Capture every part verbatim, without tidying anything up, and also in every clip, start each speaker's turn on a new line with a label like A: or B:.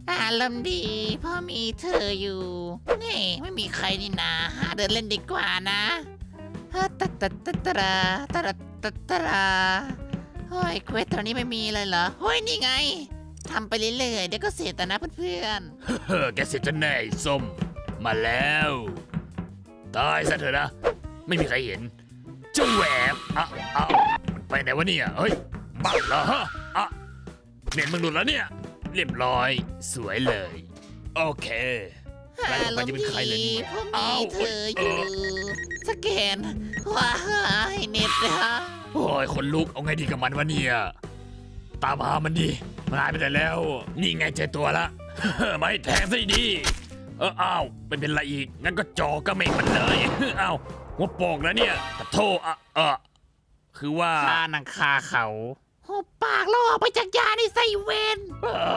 A: อารมณ์ดีเพราะมีเธออยู่นี่ไม่มีใครนี่นาหาเดินเล่นดีกว่านะฮะตัดตัดตัดตราตัดตัดตราเฮ้ยเควสตอนนี้ไม่มีเลยเหรอเฮ้ยนี่ไงทำไปเรื่อยๆเดี๋ยวก็เสร็จแต่นะเพื่อน
B: เฮ้อแกเสร็จจะแน่ไอ้ส้มมาแล้วตายซะเถอะนะไม่มีใครเห็นเจ้าแหวบอ่ะเอ้ามันไปไหนวะเนี่ยเฮ้ยบักเหรอฮะอ่ะเน็ตมึงหลุดแล้วเนี่ยเรียบร้อยสวยเลยโอเค
A: ๆ
B: ใครต่อไปจะเป็นใครเลยเนี่ย
A: เพราะมี
B: อ้าว
A: เธออยู่สแกนว้ายเน็ตนะ
B: โอ้ยคนลุกเอาไงดีกับมันวะเนี่ยตามหามันดีมันหายไปไหนแล้ว นี่ไงเจอตัวละ ไม่แทงซะดีเอออ้าวเป็นเป็นไรอีกงั้นก็จอกระเมงมันเลย อ้าวหัวโปกแล้วเนี่ยขอโทษอ่ะเออคือว่า
A: คานังคาเขาหุบปากแล้วออกไปจากยาในไซเวน
B: อ่า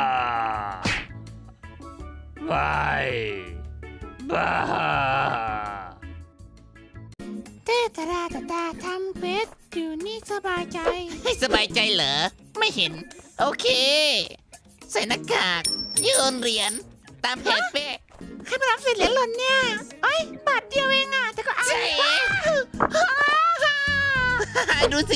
B: บายบาย
A: เตตาดาตาตาทำเควสอยู่นี่สบายใจให้สบายใจเหรอไม่เห็นโอเคใส่หน้ากากโยนเหรียญตามแผนเป๊ะให้มารับเศษเหรียญหล่นเนี่ยไอ้บาทเดียวเองอ่ะแต่ก็เอาใช่ดูสิ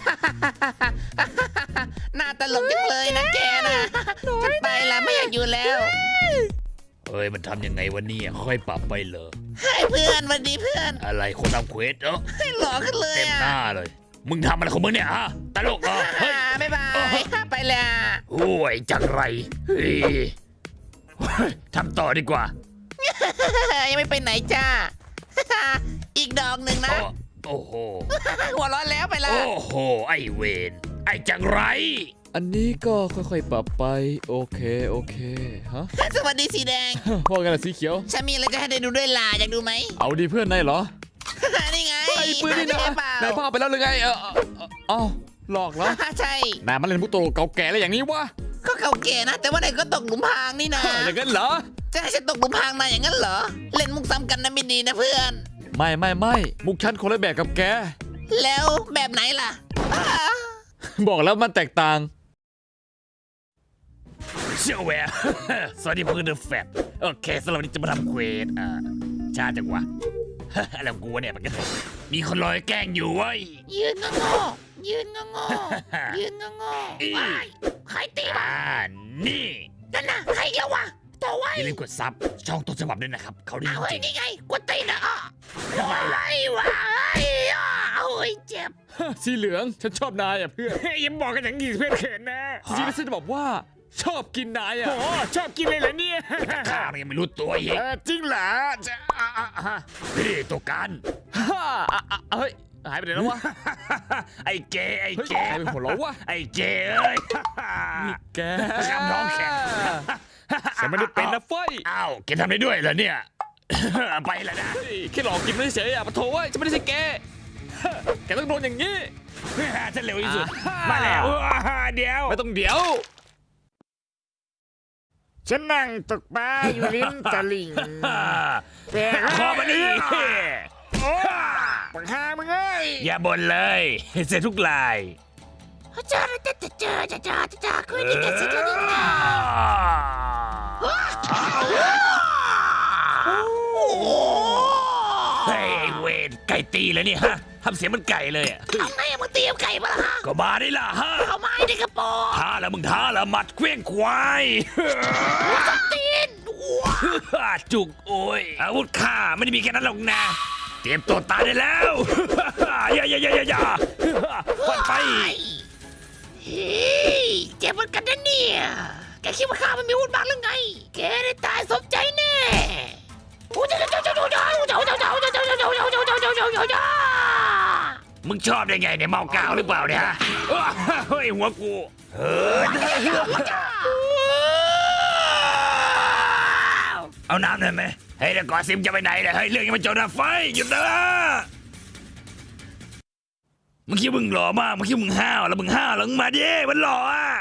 A: หน้าตลกจังเลยนะแกนะฉันไปละไม่อยากอยู่แล้ว
B: เอ้ยมันทำยังไงวะเนี่ยค่อยปรับไปเหรอ
A: ให้เพื่อนวันดีเพื่อน
B: อะไรคนทำเควสเออ
A: ให้หล่อขึ้นเลย
B: เต็ม
A: อ่ะ
B: หน้าเลย มึงทำอะไรของมึงเนี่ยฮะตลกเหรอเฮ้ย
A: บ๊ายบา
B: โอ้โห
A: ยไปแล้ว
B: โอ้ยจังไรเฮ้ยเฮ้ยทำต่อดีกว่า
A: ยังไม่ไปไหนจ้า อีกดอกหนึ่งนะ
B: อ้อโอ้โห
A: หัวเร้อนแล้วไปละ
B: โอ้โห ไอเวนไอจังไร
C: อันนี้ก็ค่อยๆปรับไปโอเคโอเคฮะ
A: สวัสดีสีแดง
C: ว่ากันละสีเขียว
A: ฉันมีอะไรจะให้ได้ดูด้วยล่ะอยากดูไหม
C: เอาดีเพื่อนนายเหรอ
A: นี่ไง
C: ไอ้ปืนนี่นะ
A: หาได้เปล่าน
C: ายพาไปแล้วหรือไงเออเออเอ้าหลอกเหรอ
A: ใช่
C: นายมาเล่นมุกตลกเก่าแก่อะไรอย่างนี้วะ
A: ก็เก่าแก่นะ แต่ว่าไหนก็ตกหลุมพรางนี่นะ
C: อย่างนั้นเหรอ
A: จะให้ฉันตกหลุมพรางนะอย่างนั้นเหรอ เล่นมุกซ้ำกันนะไม่ดีนะเพื่อน
C: ไม่ไม่ไม่มุกชั้นคนละแบบกับแก
A: แล้วแบบไหนล่ะอ้า
C: บอกแล้วมันแตกต่าง
B: เชี่ยวแหวะ สวัสดีเพื่อนเดอะแฟตโอเคสำหรับวันนี้จะมาทำเควสอ่าชาจังวะ อะไรของกูวะเนี่ยมันก็มีคนรอยแกล้งอยู่เว้ย
A: ยืนงงๆยืนงงๆยืนงงๆว้ายใครตีวะ
B: อ่านี่
A: นั่นน่ะใครอีกแล้ววะตัวไว้
B: อย่าลืมกดซับช่องต้นฉบับด้วยนะครับ เขาดี
A: เอา
B: จ
A: เฮ้ย
B: ริง
A: นี่ไงกดตีนอ่ะอ้อทำไมล่ะไอ้วะไอ้อ้อโอ้ยเจ็บ
C: สีเหลืองฉันชอบนายอ่ะเพื่อน
B: ๆยังบอกกันอย่างนี้เพื่อนเขินนะ
C: จริงๆแล้วฉันจะบอกว่าชอบกินนายอ่ะ
B: โอ้ชอบกินเลยเหรอเนี่ยข้ายังไม่รู้ตัวอีกจริงเหรอจะอ่ะอ่ะอ่ะนี่ตัวกัน
C: ฮ่าอ่ะอ่ะเฮ้ยหายไปไหนแล้ววะ
B: ไอ้เกย์ไอ้
C: เฮ้ย
B: เก
C: ใคร
B: ย์
C: เป็นหัวเราะวะ
B: ไอ้เกย์เอ้ย
C: นี่แก
B: คำร้องแข็ง
C: ฉันไม่ได้เป็นนะเฟ้ย
B: อ้าวแกทำได้ด้วยเหรอเนี่ย ไปแล้วนะ
C: เฮ้ยแค่หลอกกินไม่เฉยๆอ่ะปะโถเว้ยจะไม่ได้ใช่แกแกต้องโดนอย่างนี้
B: ฉันเร็วที่สุด
C: อ่า
B: มาแล้วเดี๋ยว
C: ไม่ต้องเดี๋ยว
D: ฉันนั่งตกปลาอยู่ริมตลิ่งแต่
B: ขอมาดิ
D: โอ้ปังหามึงเอ้ย
B: อย่าบ่นเลยเสร็จทุกลาย
A: เจอเจอเจอเจอเจอเจอคุยดีกันสิกันนี่นะโอ้
B: เฮ้ยไอ้เวรไก่ตีแล้วนี่ฮะทำเสียงเหมันไก่เลยอะ
A: ทำไงมึงเตรียมไก่มาละฮะ
B: ก็มาได้ล่ะฮะ
A: เอาไม้ในกระป๋อง
B: ท้าแล้วมึงท้าแล้วหมัดเคว้งควาย
A: ตีนว้า
B: จุกโอ้ยอาวุธข้าไม่ได้มีแค่นั้นหรอกนะ เตรียมตัวตายได้แล้ว อย่าอย่าอย่าอย่าอย่าฟันไป
A: เฮ้ยเจ็บเหมือนกันนะเนี่ยแกคิดว่าข้ามันมีอาวุธมากหรือไงแกได้ตายสมใจแน่โอ้เจ้าเจ้าเจ้าเจ้าเจ้าเจ้าเจ้าเจ้าเจ้าเจ้าเจ้าเจ้าเจ้าเจ้าเจ้าเจ้าเจ้าเจ้าเจ้า
B: มึงชอบได้ไงเนี่ยเมากาวหรือเปล่าเนี่ยฮะเฮ้ยหัวกูเฮ้ยเอาน้ำหน่อยไหมเฮ้ยเดี๋ยวก่อนซิมจะไปไหนเนี่ยเฮ้ยเรื่องยังไม่จบนะไฟหยุดนะมึงคิดมึงหล่อมากมึงคิดมึงห้าวแล้วมึงห้าวแล้วมึงมาดิมันหล่ออ่ะ